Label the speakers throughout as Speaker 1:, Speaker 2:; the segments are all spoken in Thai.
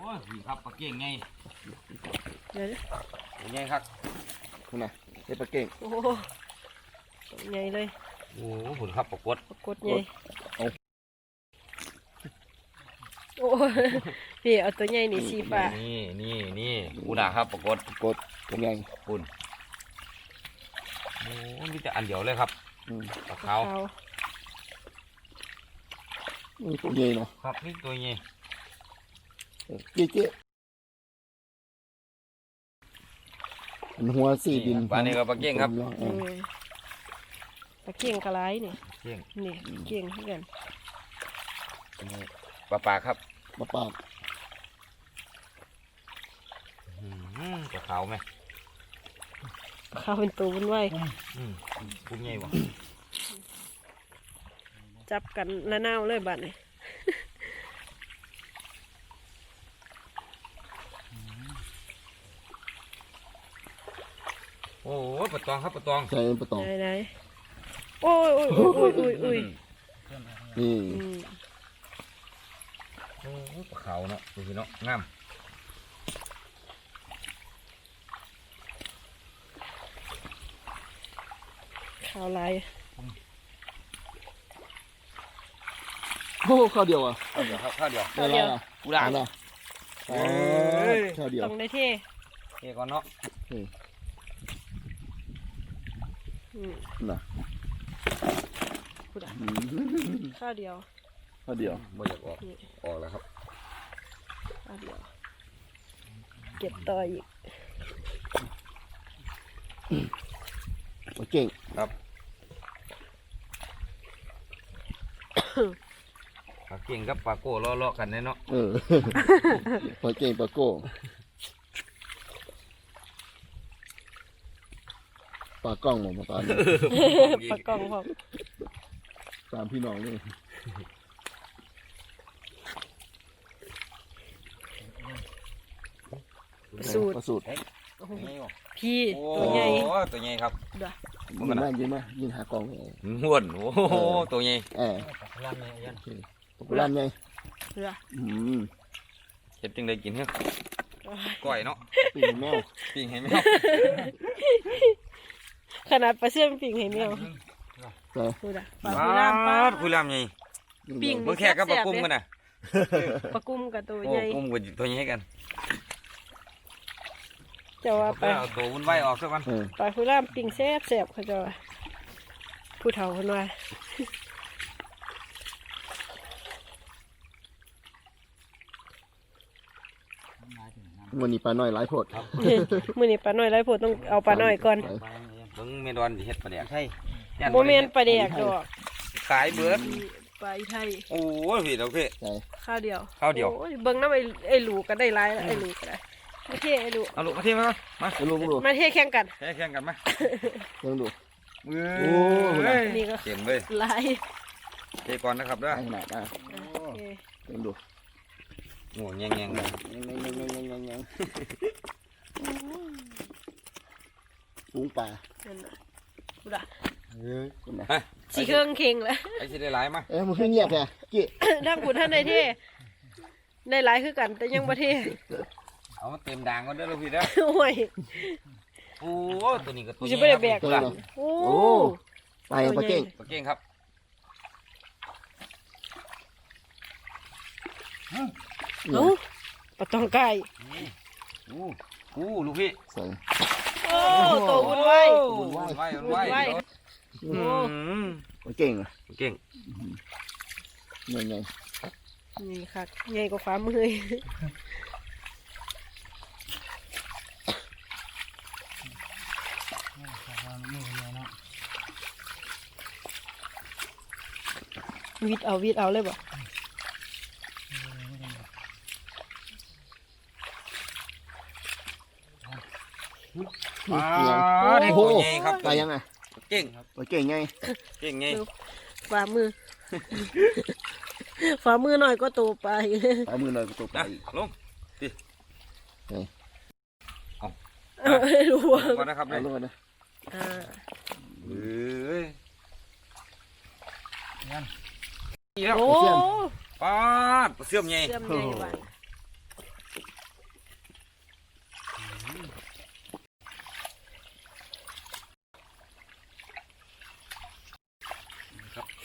Speaker 1: อ้ยครับปลาเก่งไง
Speaker 2: เดี๋ยว
Speaker 1: ไงครับ
Speaker 3: คุณน่ะเฮ็ดปลาเก่ง
Speaker 2: โอ้โหใหญ่เลย
Speaker 1: โอ้โหหุ่นครับปลากด
Speaker 2: ปรากฏใหญ่โอ้พี่เอาตัวใหญ่นี่สีฟ้า
Speaker 1: นี่กูด่าครับปลากด
Speaker 3: กดเป็นไง
Speaker 1: หุ่นโอ้มีแต่อันเดียวเลยครับปลาขาว
Speaker 3: ตัวใหญ่เนาะ
Speaker 1: ครับนี่ตัวใหญ่
Speaker 3: เจ๊หัวสี่ดิน
Speaker 1: ปลานี่ก็ปลาเก่งครับ
Speaker 2: ปลาเก่งกระไรนี่
Speaker 1: เก่ง
Speaker 2: นี่เก่งเหมือนกัน
Speaker 1: นี่ปลาครับ
Speaker 3: มาปาก
Speaker 1: ปลาขาวไหม
Speaker 2: ข้าวเป็นตัวบนไว้
Speaker 1: กุ้งใหญ่บ่
Speaker 2: จับกันละนาวเลยบัดนี่
Speaker 1: โอ้ปลาตองครับปลาตอง
Speaker 3: ใส่ปลาตอง
Speaker 2: ไหนโอ้ย
Speaker 3: นี่
Speaker 1: โอ้ปลาขาวเนาะดูสิเนาะงาม
Speaker 2: ข้าวลาย
Speaker 3: โอ้ข้าวเดียวอ่ะ
Speaker 1: ข้าวเดียวครับข้าวเดียว
Speaker 3: ได้แล้วอ่ะ
Speaker 1: กูด่า
Speaker 3: ได้ข้าวเดียว
Speaker 2: ต้องได้เท่
Speaker 1: เฮ้ก่อนเนาะ
Speaker 3: น่ะ
Speaker 2: ข้าวเดียว
Speaker 3: ข้าวเดียว
Speaker 1: ไม่อยากออกแล้วครับ
Speaker 2: ข้าวเดียวเก็บต่ออีก
Speaker 3: ปลาเก่ง
Speaker 1: ครับปลาเก่งกับปลาโก้ล้อๆกันเนาะ
Speaker 3: ปลาเก่งปลาโก้ปลากล้องหมดมาปลา
Speaker 2: ปลากล่องพร้อม
Speaker 3: ตามพี่น้องนี่
Speaker 2: สูตร
Speaker 3: สูตร
Speaker 2: พี่
Speaker 1: โอ้
Speaker 2: ตัวใหญ่
Speaker 1: ตัวใหญ่ครับ
Speaker 3: ยิงมายิงหากล้อง
Speaker 1: ห้วนโอ้โหตัวใหญ่
Speaker 3: ปลาไง
Speaker 2: เรือ
Speaker 1: เห็ดจังได้กินเหรอก้อยเนาะ
Speaker 3: ปีแมว
Speaker 1: ปิ้งให้แมว
Speaker 2: ขนาดปลาเสื่อมปิ่งให้แมว
Speaker 3: ใส่
Speaker 2: ดูนะปลาคุยล่ามปลา
Speaker 1: คุยลามใหญ่
Speaker 2: ปิ้ง
Speaker 1: เมื่อแค่กับปลากุ้งกันนะ
Speaker 2: ปลากุ้มกับตัว
Speaker 1: โอ้
Speaker 2: ใหญ่
Speaker 1: กุ้งกับตัวใหญ่กัน
Speaker 2: จะว่าไป
Speaker 1: เอาตัววุ่นวายออกสักวัน
Speaker 2: ปลาคุยล่ามปิ้งแซ่บเขาจะว่าผู้เฒ่าคนว่า
Speaker 3: วันนี้ปลาน้อยหลายโพด
Speaker 2: มื้อนี้ปลาน้อยไรโพดต้องเอาปลาน้อยก่อน
Speaker 1: เบิ้งเมดอนเห็ดปลาแดกใช่
Speaker 2: โมเมนปลาแดกดอก
Speaker 1: ขายเบิร์ด
Speaker 2: ปลาอีไทย
Speaker 1: โอ้ยพี่เราพี่
Speaker 2: ข้าวเดียว
Speaker 1: ข้าวเดียว
Speaker 2: โอ้เบิ่งน้ำไอ้หลูก็ได้หลายแล้วไอ้หลูก็ได้มาเทไอ้หลู
Speaker 1: เอาลูกมาเทียมมามา
Speaker 3: ดูดู
Speaker 2: มาเทแข่งกัน
Speaker 1: แข่งกันไหม
Speaker 3: ลองดู
Speaker 1: โอ้ย
Speaker 2: นี่ก็
Speaker 1: เต็มเลย
Speaker 2: หลาย
Speaker 1: เทก่อนนะครับเด้อ
Speaker 3: ขนาดอ่ะ
Speaker 2: โอเค
Speaker 3: ลองดู
Speaker 1: โอ้ยแงงเลย
Speaker 3: ปุ้งปลา
Speaker 2: นั่นน่ะดูด่ะ
Speaker 3: คุณนะ
Speaker 2: สีเครื่องเค็งแล้ว
Speaker 1: ไอ้ที่ได้หลายมั้ย
Speaker 3: มันขึ้นเงียบแค่กี้
Speaker 2: ทั้งคุณท่านในเทได้หลายคือกันแต่ยังบ่เท
Speaker 1: เอาเต็มด่างก็ได้แล้วพี่เด้อ
Speaker 2: โอ้ย
Speaker 1: โอ้ตัวนี้ก็ตัว
Speaker 2: กู
Speaker 1: ให
Speaker 2: จะ
Speaker 1: ญ่
Speaker 2: ไม่ได้แบก
Speaker 1: ตัว
Speaker 2: หลั
Speaker 1: ละ
Speaker 2: งโอ้
Speaker 3: โอ้ไปปลาเก่ง
Speaker 1: ปลาเก่งครับ
Speaker 2: เอ้าปลาตองไก่
Speaker 1: อู้ลูกพี่
Speaker 3: ใส่
Speaker 2: โอ้ตัววุ่นวาย
Speaker 1: วุ่นวายวุ่นวาย
Speaker 2: วุ่นวาย
Speaker 3: ปลาเก่งอ่ะ
Speaker 1: เก่ง
Speaker 3: ไง
Speaker 2: นี่ค่ะใหญ่กว่าฟ้ามือวิดเอาเลยบ่
Speaker 1: ได้ตัวใหญ่ครับ
Speaker 3: ตายยังไง
Speaker 1: เก่ง
Speaker 3: ปลาเก่งไง
Speaker 1: เก่งไง
Speaker 2: ฝ่ามือ ฝ่ามือหน่อยก็โตไป
Speaker 3: เอามือหน่อยตัวปลา
Speaker 1: นะ
Speaker 3: อีก
Speaker 1: ลงดิ
Speaker 2: รู้ว่า
Speaker 1: ก่อนนะครับ
Speaker 3: เอาลงนะ
Speaker 1: เฮ้ย
Speaker 2: โอ้
Speaker 1: ป้าเสื่อมใหญ่
Speaker 2: เสื่อมใหญ่บ้าน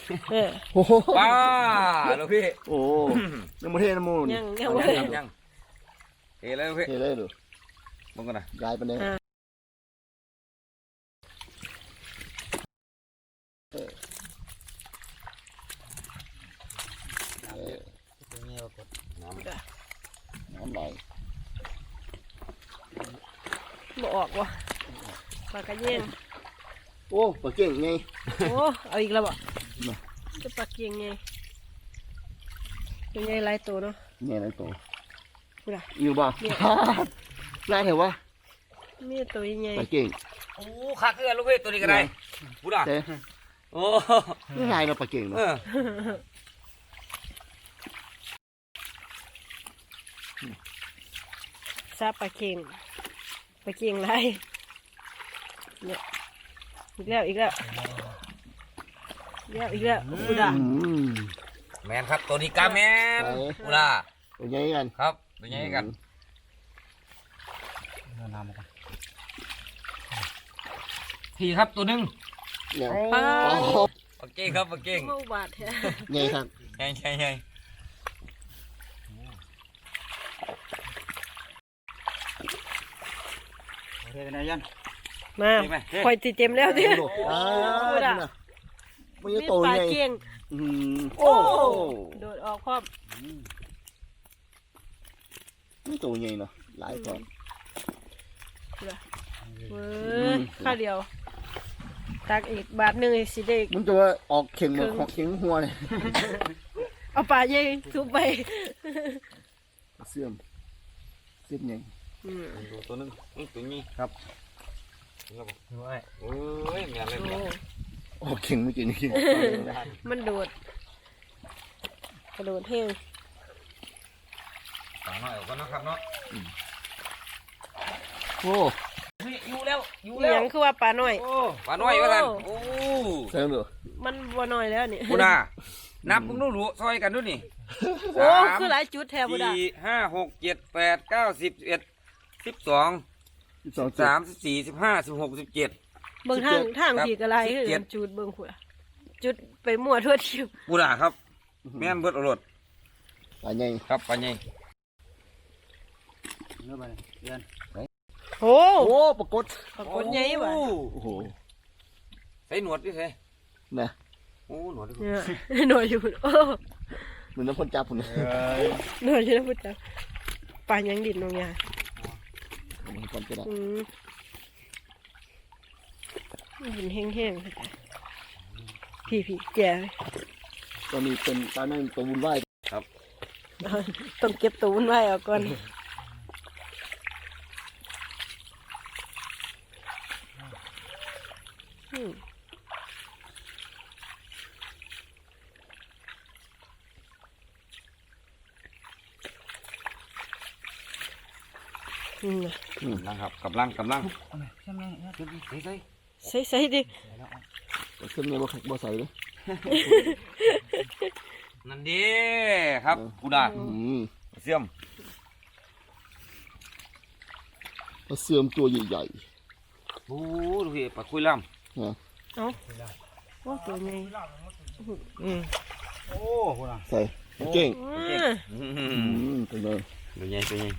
Speaker 3: โอ้โห
Speaker 1: ป้าลูกพี่
Speaker 3: โอ้ยังไม่เทน้ำมูล
Speaker 2: ยัง
Speaker 1: ยัง
Speaker 2: บ่
Speaker 1: ยังเฮ้ยเลยลูกพี่
Speaker 3: เทเลยดู
Speaker 1: มึงกันนะ
Speaker 3: ยายไปเลย น้ำไหล
Speaker 2: บ่ออกว่ะปลากระเยง
Speaker 3: โอ้ปลาเก่งไง
Speaker 2: โอ้เอาอีกแล้วบ่จะปลาเกียงไงเป็นไงหลายตัวเนาะ
Speaker 3: เนี่ยอะไรตัว
Speaker 2: พูดอ่ะ
Speaker 3: อยู่บ่ได้เหรอวะ
Speaker 2: มีตัวยังไง
Speaker 3: ปลาเก่ง
Speaker 1: โอ้ขาขึ้นลูกพี่ตัวนี้ก็ได้พูดอ่ะ
Speaker 3: เต้
Speaker 1: โอ้
Speaker 3: ไม่ลายเราปลาเก่งเนาะ
Speaker 2: ซาปลาเกียงไรเนี่ยอีกแล้วพูดอ่ะ
Speaker 1: แมนครับตัวนี้กาแมนพูดอ่ะ
Speaker 3: ตัวใหญ่กัน
Speaker 1: ครับตัวนี้กันพี่ครับตัวนึง
Speaker 3: เนี่ย
Speaker 2: ปลา
Speaker 1: โอเคครับโอเค
Speaker 2: เมาบาดแท้
Speaker 3: ใหญ่ครับ
Speaker 1: ใช่ใช่ใช่
Speaker 2: มาคอยติเต็มแล้วดิ
Speaker 3: พูดอ่ะมันจะ
Speaker 2: มี
Speaker 3: โต
Speaker 2: ปลา
Speaker 3: ใหญ่
Speaker 2: เกียง
Speaker 3: โอ้
Speaker 2: โดดออกพร้อม
Speaker 3: ไม่โตใหญ่เนาะหลายตัว
Speaker 2: เว้ยข้าเดียวตักอีกบาทหนึ่งสิเด็ก
Speaker 3: มันจะว่าออกเข่งเหมือนของเข่งหัวเลย
Speaker 2: เอาปลาเย่ทุบไป
Speaker 3: เสื่อมใหญ่
Speaker 1: ตัวนึงตัวนี้ครับโอ้ยแมนเลย
Speaker 3: ออกเข่งไม่กินกิน
Speaker 2: มันโดดกระโดดแห้ง
Speaker 1: ปลาหน่อยก่อนนะครับเนาะ
Speaker 3: โอ้
Speaker 1: อยู่แล้วอยู่
Speaker 2: อ
Speaker 1: แล้ว
Speaker 2: หยังคือว่าปลาน้อย
Speaker 1: ปลาหน่อยว่ากันโอ้
Speaker 3: เสื่อมเหรอ
Speaker 2: มันบัวน้อยแล้วนี่
Speaker 1: พูดอ่ะนับมึงรู้ซอยกันด้วยนี่
Speaker 2: โอ้คือหลายจุดแทบบุดา
Speaker 1: สี่ห้าหกเจ็ดแปดเก้าสิบเอ็ด12
Speaker 3: 12
Speaker 1: 13 14 15 16 17
Speaker 2: เบิ่งทางผีกระไรคือ
Speaker 1: 17
Speaker 2: กันจุดเบิ่งหัวจุดไปมั่วทั่วทิว
Speaker 1: พูดอ่ะครับแม่นเบิดอรด
Speaker 3: ปลาใหญ่
Speaker 1: ครับปลาใหญ่
Speaker 2: โอ้
Speaker 3: โอ้ปรากฏ
Speaker 2: ปรากฏใหญ่ว่ะ
Speaker 3: โอ้โห
Speaker 1: ใส่หนวดดิใส่
Speaker 3: นะ
Speaker 1: โอ้หนวดดิ
Speaker 2: เนี่ยหน่อยอยู่โอ้
Speaker 3: เหมือนน้ำพ่นจับผมเลย
Speaker 2: หน่อยอยู่นะพุทธเจ้าปลายังดินน้องยา
Speaker 3: มันก่อนจะได้
Speaker 2: ดินแห้งๆพี่แก่
Speaker 3: ตอนนี้เป็นปลาแม่งตัววุ่นวาย
Speaker 2: ต้องเก็บตัวมันไว้เอาก่อน
Speaker 1: กำลังครับกำลังใส่
Speaker 2: ใส่ดิ
Speaker 3: เครื่องนี้บ่ใส่เลย
Speaker 1: นั่นดิครับพูดอ่ะเสื่อม
Speaker 3: ปลาเสื่อมตัวใหญ่
Speaker 1: โอ้ดูพี่ปลาคุยล่ำ
Speaker 3: ๆนะ
Speaker 2: เอาว่าตัวไง
Speaker 3: ใส่ปลาเก่ง
Speaker 1: ตัว
Speaker 3: ตัวใหญ่
Speaker 1: ใหญ่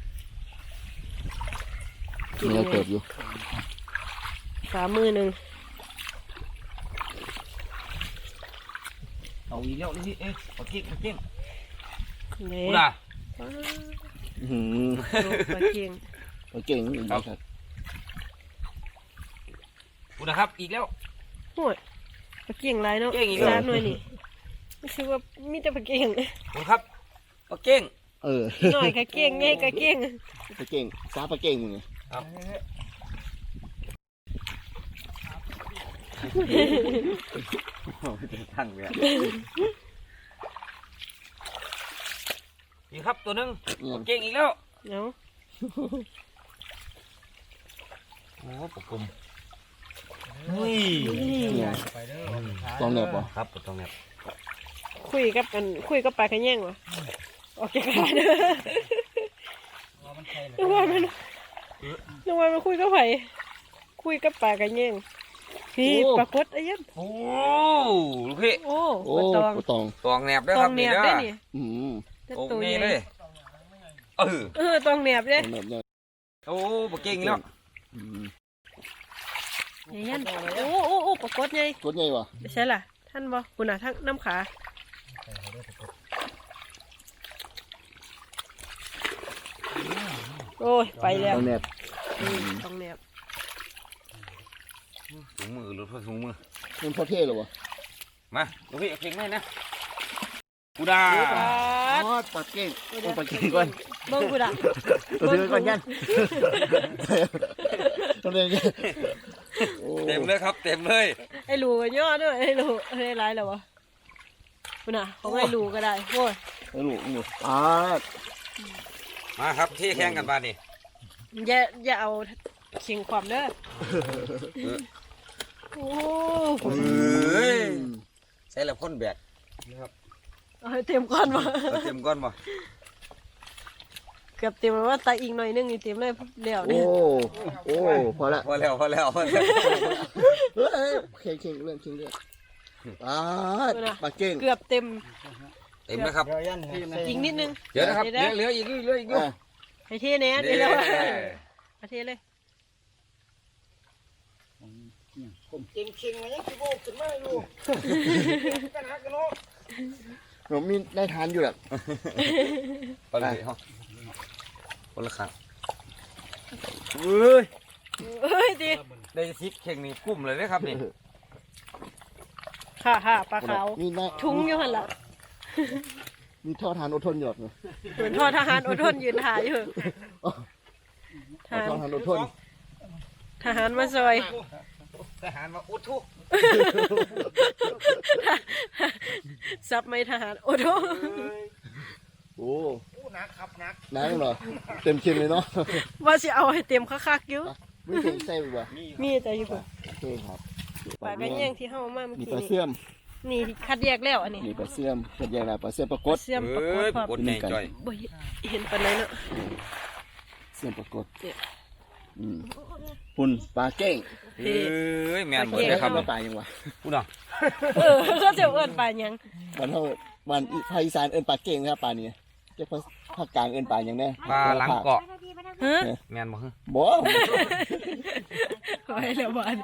Speaker 3: เนื้อเติบอยู่
Speaker 2: ฝ่ามือหนึ่ง
Speaker 1: เอาอีกแล้วนี่เอ๊ะปลาเก่ง
Speaker 2: ไง
Speaker 1: พูดอ่ะ
Speaker 2: ปลาเกียง
Speaker 3: ปลาเก่งครับ
Speaker 1: พูดนะครับอีกแล้ว
Speaker 2: โอ้ยปลาเกียงไรเนาะ
Speaker 1: เกียงอีกแล้ว
Speaker 2: ร้านหน่อยนี่ไม่ใช่ว่ามีแต่ปลาเกียง
Speaker 1: พูดครับปลาเก่ง
Speaker 2: หน่อยกะเกียงไงกะเกียง
Speaker 3: ปลาเก่งซาปลาเก่งมึงไง
Speaker 1: ครับทั้งเลยนี่ครับตัวนึงเก่งอีกแล้ว
Speaker 2: เนาะ
Speaker 1: โอ้ปกคลุมอุ้ย
Speaker 3: ต้องแนบป่ะ
Speaker 1: ครับต้องเนี่ย
Speaker 2: คุยกับปลากระแยงวะออกจากกันนึกว่ามันคุยกับไผคุยกับปลากระแยงพี่
Speaker 3: โอ้
Speaker 2: ปรากฏไอ้ยัน
Speaker 1: โอ้ลูกพี่
Speaker 2: โอ้
Speaker 3: โอ้
Speaker 2: ปลาตอง
Speaker 3: ปลาตอง
Speaker 1: ตองแหนบเด้อ
Speaker 2: ต
Speaker 1: ค
Speaker 2: อ
Speaker 1: รั
Speaker 2: ง
Speaker 1: บ
Speaker 2: แหน
Speaker 1: นี่
Speaker 2: บ
Speaker 1: เด้
Speaker 2: ได้
Speaker 1: อ
Speaker 2: นี่
Speaker 3: อืม
Speaker 2: แต่
Speaker 1: ตรง
Speaker 2: ตัว
Speaker 1: นี้
Speaker 2: ให
Speaker 1: เล
Speaker 2: ญ่
Speaker 1: ยเออ
Speaker 2: ตองแหนบเด้
Speaker 3: ตองแบบเนี้ย
Speaker 1: โอ้ปลาเก่งแล้ว
Speaker 3: อืม
Speaker 2: ไอ้ยันโอ้ปรากฏไง
Speaker 3: ตัวใหญ่วะ
Speaker 2: ใช่ล่ะท่านบ่คุณน่ะทั้งน้ำขาโอ้ยไปแล้ว
Speaker 3: ตองแนบ
Speaker 2: ตองแหนบ
Speaker 1: ถุงมือหรือถุงมือ
Speaker 3: มันพอเท่เหรอวะ
Speaker 1: มาลูกพี่เอาเก่งให้นะกูดา
Speaker 3: อ๋อปลาเก่งโอ้ปลาเก่งก่อน
Speaker 2: เบิ่งกูด่ะ
Speaker 3: ตัวเดียวก่อนยันตัวเดียวกันโอ้
Speaker 1: เต็มเลยครับเต็มเลย
Speaker 2: ไอ้หลูก็ย่อด้วยไอ้หลูไอ้ไรแล้ววะคุณน่ะของไอ้หลูก็ได้โอ้ย
Speaker 3: แล้วลูกนี่อ่า
Speaker 1: มาครับที่แข่งกันบ้านนี่
Speaker 2: อย่าเอาเข่งความเด้อโอ้
Speaker 1: เฮ้ยใส่แล้วพ่นแบก
Speaker 2: เอาให้เต็มก้อนมา
Speaker 1: เอาเต็มก้อนบ่
Speaker 2: เกือบเต็มแล้วว่าตาอีกหน่อยนึงนี่เต็มเลยเดี๋ยว
Speaker 3: โอ้
Speaker 2: นี่
Speaker 3: โอ้พอละ
Speaker 1: พอแล้วพอแล้วพอแล้ว
Speaker 3: เฮ้ยเข่งเรื่องเข่งเรื่องอ่าปลาเก่ง
Speaker 2: เกือบเต็ม
Speaker 1: เต็มไหมครับ
Speaker 2: อีกนิดนึง
Speaker 1: เดี๋ยวนะครับเหลืออีกเหลืออีก
Speaker 3: อ่ะ
Speaker 2: ให้เทแน่เดี๋ยวเราเอาเทเลย
Speaker 3: ผมมีได้ทานอยู่แหละ
Speaker 1: ไปเลยฮะคนละครั้งเฮ้ย
Speaker 2: เฮ้ยดี
Speaker 1: ได้ซิปเข่งนี่กุ้มเลยนะครับนี่
Speaker 2: ค่ะปลาขาว
Speaker 3: มีได้
Speaker 2: ทุ้งอยู่หันละ
Speaker 3: มีท่อทานอดทนหยดเลย
Speaker 2: เหมือนทอทหารอดทนยืนถ่ายอยู่ทหาร
Speaker 3: ท่อทานอดทน
Speaker 2: ทหารมาซอย
Speaker 1: ทหารมาอุดทุก
Speaker 2: ซับไม่ทหารอดทน
Speaker 3: โอ้นักครับนักนักเหรอเต็มเค็มเลยเนาะ
Speaker 2: ว่าสิเอาให้เต็มคักๆอยู่
Speaker 3: ไม่เค็มใส่ไปบ่
Speaker 2: มีแต่อยู่พุ่น
Speaker 3: โอเคครับ
Speaker 2: ปลากระเยี่ยงที่เฮามาเมื่อ
Speaker 3: มี
Speaker 2: กี้
Speaker 3: ปลา
Speaker 2: นี่
Speaker 3: เสื่อม
Speaker 2: นี่คัดแยกแล้วอันนี้
Speaker 3: มีปลาเสื่อมเป็นยังไงปลาเสื่อมปลากด
Speaker 2: เสื่อมปราก
Speaker 1: เฮ้
Speaker 2: ฏ
Speaker 1: ย
Speaker 2: พร้อม
Speaker 1: กดในจ่อย
Speaker 2: บ่เห็นปานไหนเนาะ
Speaker 3: เสื่อมปลากด
Speaker 2: เนี่ย
Speaker 3: หุ่นปลาเก้ง
Speaker 1: เฮ้ยแมนหมดเลยครับ
Speaker 3: ปลายังวะ
Speaker 1: กูน่ะ
Speaker 2: ก็จะเอิ้นปลาหยัง
Speaker 3: วันเท่าวันภาคอีสานเอิ้นปลาเก้งนะครับปลานี้เจ้าภาคกลางเอิ้นปลาอย่างแน่
Speaker 1: ปลาหลังเกาะ
Speaker 2: ฮะ
Speaker 1: แมนบ่ฮะ
Speaker 3: บ่
Speaker 2: ไว้แล้วบ้าน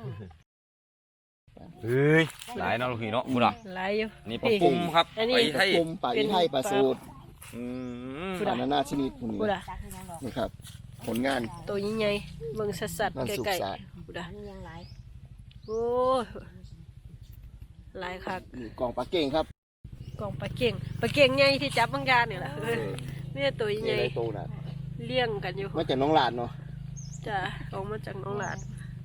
Speaker 1: เฮ้ยหลายเนาะลูกพี่เนาะกูน่ะ
Speaker 2: หลายอยู่
Speaker 1: นี่ปลาปุ่มครับ
Speaker 2: อันนี้
Speaker 1: ไป
Speaker 3: ป
Speaker 1: ไท
Speaker 3: ลาย ปุ่มปลาอีไทยปลาสูตร
Speaker 1: อืม
Speaker 3: ปลานานาชนิดพวกนี้
Speaker 2: กูด่ะ
Speaker 3: นี่ครับ ผลงาน
Speaker 2: ตัวใหญ่ๆเบิ่งสัด
Speaker 3: นั่น
Speaker 2: ๆ
Speaker 3: สุก
Speaker 2: ใกล้
Speaker 3: สะอาด
Speaker 2: ๆกูด่ะโอ้ยหลายคัก
Speaker 3: นี่กล่องปลาเก้งครับ
Speaker 2: กล่องปลาเก่งใหญ่ที่จับบางยานนี่แหละนี่ตัว
Speaker 3: นี่
Speaker 2: ใหญ่
Speaker 3: อะไรโตน่ะ
Speaker 2: เลี้ยงกันอยู่
Speaker 3: มาจากน้องหลานเนาะ
Speaker 2: จ้ะออกมาจากน้องหลาน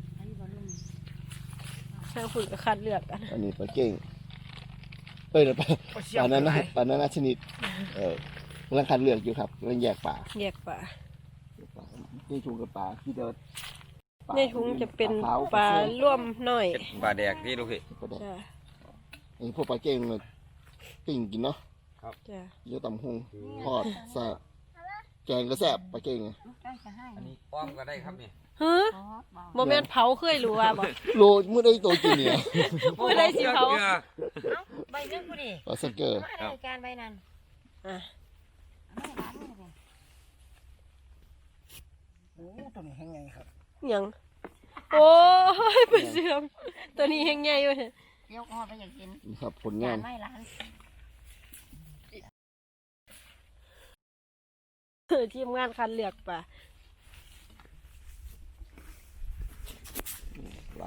Speaker 2: ช่างฝุ่นก็คัดเลือกกัน
Speaker 3: อันนี้ปลาเก้งเดี๋ยวปลานานาชนิดกำลังคัดเลือกอยู่ครับกำลังแยกปลา
Speaker 2: แยกปลา
Speaker 3: นี่ถุงกับปลาที่เดิน
Speaker 2: ในถุงจะเป็น
Speaker 3: ขาว
Speaker 2: ปลาร่วมน้อย
Speaker 1: ปลาแดกที่ลูกพี่
Speaker 2: จ้ะ
Speaker 3: ไอ้พวกปลาเก้งมันปิ่งกินเนาะ
Speaker 2: จ้ะ
Speaker 3: เยอะตำหงทอดแซ่บแกงก็แซ่บปลาเก้งไง
Speaker 1: อันนี้ป้อมก็ได้ครับนี่
Speaker 2: เฮ้ยโมเมนต์เผาเคยรู้ว่าบ่
Speaker 3: โลเมื่อได้ตัวกินเนี่ย
Speaker 2: ผู้ใดสิเผา
Speaker 4: ใบเนื้อกูดิ
Speaker 3: ปลาสเกอร์
Speaker 4: มาได้การใบนั้น
Speaker 2: อ่ะ หยังโอ้ยไปเสื่อมตัวนี้ยังไงวะ
Speaker 4: ยกหอดไปอยากกิน
Speaker 3: นี่ครับผลงาน
Speaker 4: ไม่ร้าน
Speaker 2: ทีมงานคันเลือกปลา